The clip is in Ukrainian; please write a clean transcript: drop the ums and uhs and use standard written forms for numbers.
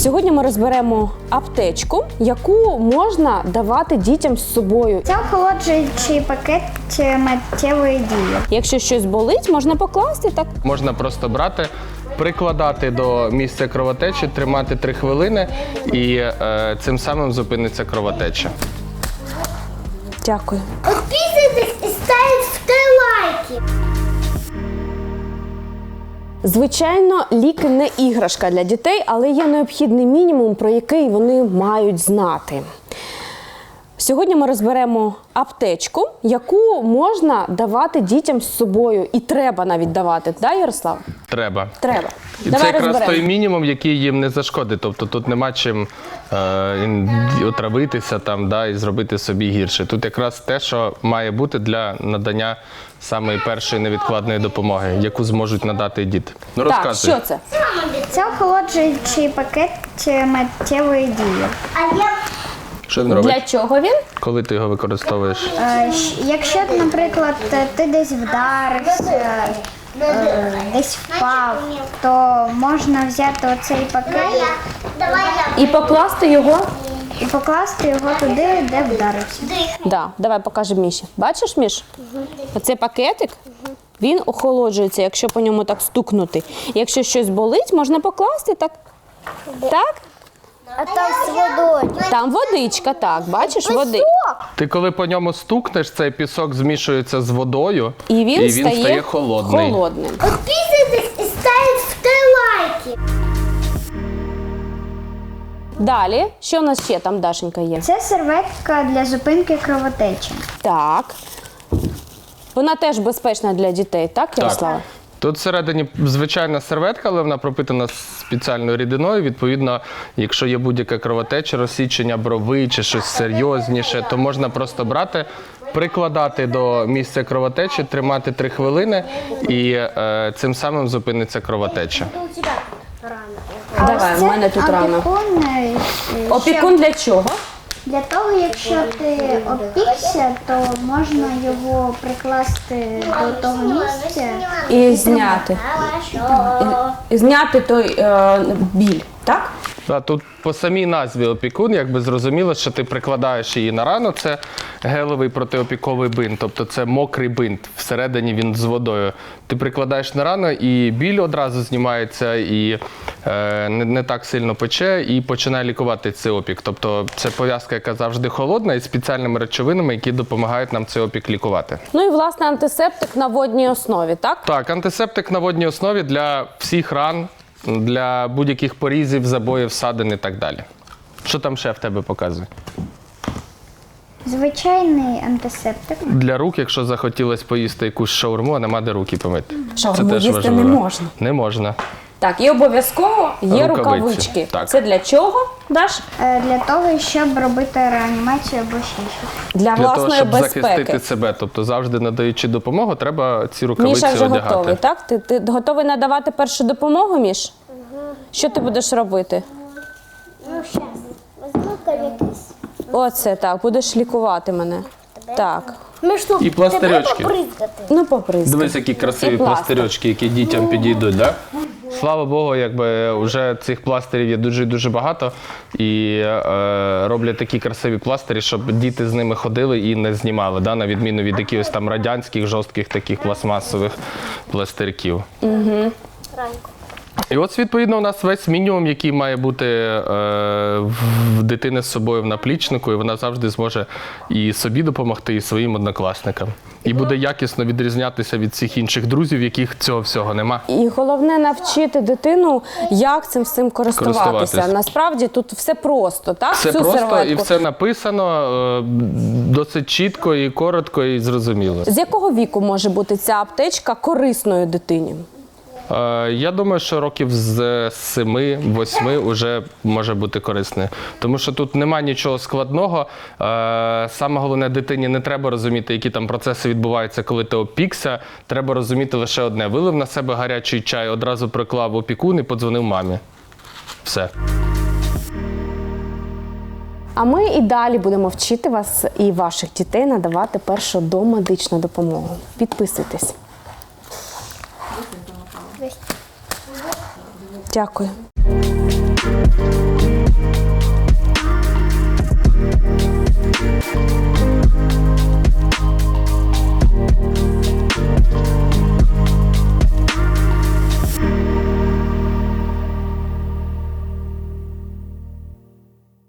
Сьогодні ми розберемо аптечку, яку можна давати дітям з собою. Це охолоджуючий пакет миттєвої дії. Якщо щось болить, можна покласти так. Можна просто брати, прикладати до місця кровотечі, тримати 3 хвилини і цим самим зупиниться кровотеча. Дякую. Підписуйтесь і ставте лайки. Звичайно, ліки не іграшка для дітей, але є необхідний мінімум, про який вони мають знати. Сьогодні ми розберемо аптечку, яку можна давати дітям з собою. І треба навіть давати, так, Ярослав? Треба. Треба. І Давай це якраз розберемо. той мінімум, який їм не зашкодить. Тобто тут нема чим отравитися там, да, і зробити собі гірше. Тут якраз те, що має бути для надання самої першої невідкладної допомоги, яку зможуть надати діти. Ну, Так, розказуй. що це? Це охолоджуючий пакет миттєвої дії. Що він робить? Для чого він? Коли ти його використовуєш? Якщо, наприклад, ти десь вдарився, десь впав, то можна взяти оцей пакет І покласти його? і покласти його туди, де вдарився. Да, давай покажемо Міші. Бачиш, Міш? Оцей пакетик, він охолоджується, якщо по ньому так стукнути. Якщо щось болить, можна покласти так. Так? А там з водою. Там водичка, так, бачиш, води. Ти коли по ньому стукнеш, цей пісок змішується з водою, І він стає холодний. Підписуйтесь і ставте лайки. Далі, що у нас ще там, Дашенька, є? Це серветка для зупинки кровотечі. Так. Вона теж безпечна для дітей, так, Ярослава? Тут всередині звичайна серветка, але вона пропитана спеціальною рідиною. Відповідно, якщо є будь-яка кровотеча, розсічення брови чи щось серйозніше, то можна просто брати, прикладати до місця кровотечі, тримати 3 хвилини і цим самим зупиниться кровотеча. Давай, у мене тут рана. Опікун, Опікун для чого? для того, якщо ти опікся, то можна його прикласти до того місця. І зняти. І зняти той біль, так? Тут по самій назві опікун, якби зрозуміло, що ти прикладаєш її на рану, це гелевий протиопіковий бинт, тобто це мокрий бинт, всередині він з водою. Ти прикладаєш на рану і біль одразу знімається, і не так сильно пече, і починає лікувати цей опік. Тобто це пов'язка, яка завжди холодна, і спеціальними речовинами, які допомагають нам цей опік лікувати. Ну і, власне, антисептик на водній основі, так? Так, антисептик на водній основі для всіх ран, для будь-яких порізів, забоїв, ссадин і так далі. Що там ще в тебе показує? Звичайний антисептик. Для рук, якщо захотілося поїсти якусь шаурму, а нема де руки помити. Шаурму їсти не можна. Не можна. Так, і обов'язково є рукавички. Так. Це для чого, Даш? Для того, щоб робити реанімацію або ще щось. Для Для того, власної щоб безпеки. захистити себе. Тобто завжди надаючи допомогу, треба ці рукавиці Міша вже одягати. готовий, так? Ти готовий надавати першу допомогу, Міш? Що ти будеш робити? Ну, зараз. Візьму якийсь. Оце так, будеш лікувати мене. Так. Ну що, І пластирьочки. тебе попризгати? Ну, попризкай. Дивись, які красиві І пластир. пластирьочки, які дітям підійдуть, так? Слава Богу, якби вже цих пластирів є дуже багато і роблять такі красиві пластирі, щоб діти з ними ходили і не знімали, да? На відміну від якихось там радянських, жорстких таких пластмасових пластирків. І от, відповідно, у нас весь мінімум, який має бути в дитини з собою в наплічнику, і вона завжди зможе і собі допомогти, і своїм однокласникам. І буде якісно відрізнятися від всіх інших друзів, яких цього всього нема. І головне навчити дитину, як цим всім користуватися. Насправді тут все просто, так? Все Цю просто серветку. і все написано досить чітко і коротко і зрозуміло. З якого віку може бути ця аптечка корисною дитині? Я думаю, що років з 7-8 вже може бути корисною. Тому що тут немає нічого складного. Саме головне, дитині не треба розуміти, які там процеси відбуваються, коли ти опікся. Треба розуміти лише одне. Вилив на себе гарячий чай, одразу приклав опікун і подзвонив мамі. Все. А ми і далі будемо вчити вас і ваших дітей надавати першу домедичну допомогу. Підписуйтесь. Дякую.